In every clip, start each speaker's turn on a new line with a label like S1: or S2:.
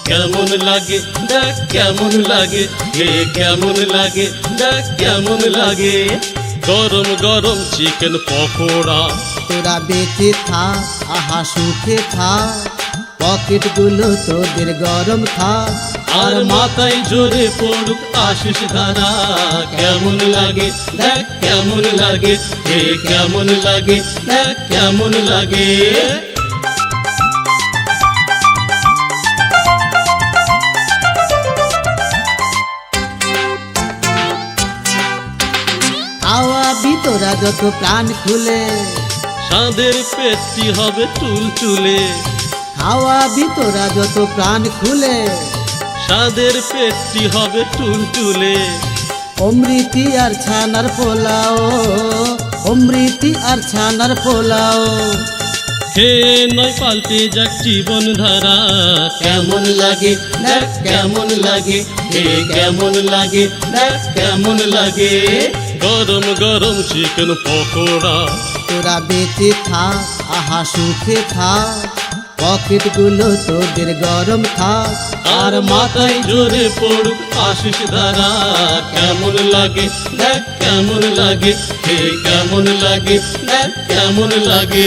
S1: কেমন লাগে দেখ কেমন লাগে, হে কেমন লাগে দেখ কেমন লাগে। গরম গরম চিকেন পকোড়া,
S2: তোরা বেঁচে থাক আহা সুখে থাক, পকেট গুলো তোদের গরম থাক,
S1: আর মাথায় জোরে পড়ুক আশিস ধারা। কেমন লাগে দেখ কেমন লাগে, হে কেমন লাগে দেখ কেমন লাগে।
S2: খাওয়াবি তোরা যত প্রাণ খুলে,
S1: সাদের পেটটি হবে চুলচুলে।
S2: খাওয়াবি তোরা যত প্রাণ খুলে,
S1: সাদের পেটটি হবে চুলচুলে।
S2: অমৃতি আর ছানার পোলাও, অমৃতি আর ছানার পোলাও।
S1: হে নয় পাল্টে যাক জীবন ধারা। কেমন লাগে দেখ কেমন লাগে, হে কেমন লাগে দেখ কেমন লাগে। গরম গরম চিকেন পকোড়া,
S2: তোরা বেঁচে থাক আহা সুখে থাক, পকেট গুলো তোদের গরম থাক,
S1: আর মাথায় জোরে পড়ুক আশিস ধারা। কেমন লাগে দেখ কেমন লাগে, হে কেমন লাগে দেখ কেমন লাগে।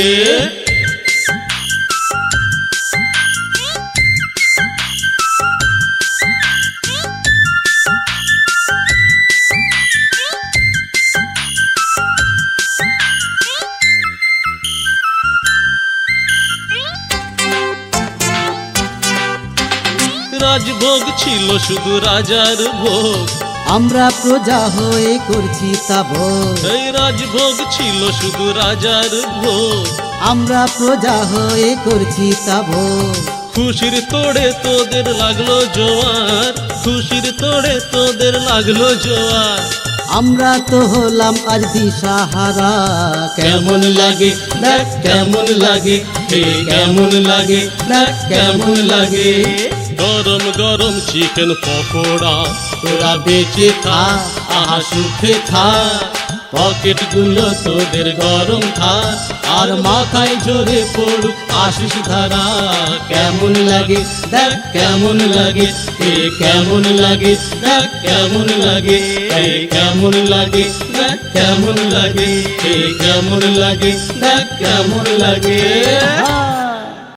S1: রাজভোগ ছিল শুধু রাজার ভোগ,
S2: আমরা প্রজা হয়ে করছি তা ভোগ।
S1: এই রাজভোগ ছিল শুধু রাজার ভোগ,
S2: আমরা প্রজা হয়ে করছি তা ভোগ।
S1: খুশির তোড়ে তোদের লাগলো জোয়ার, খুশির তোড়ে তোদের লাগলো জোয়ার।
S2: আমরা তো হলাম আজ দিশাহারা।
S1: কেমন লাগে দেখ কেমন লাগে, হে কেমন লাগে দেখ কেমন লাগে। গরম গরম চিকেন পকোড়া, তোরা বেঁচে থাক আহা সুখে থাক, পকেট গুলো তোদের গরম থাক, আর মাথায় জোরে পড়ুক আশিস ধারা। কেমন লাগে দেখ কেমন লাগে, হে কেমন লাগে দেখ কেমন লাগে। হে কেমন লাগে দেখ কেমন লাগে, হে কেমন লাগে দেখ কেমন লাগে।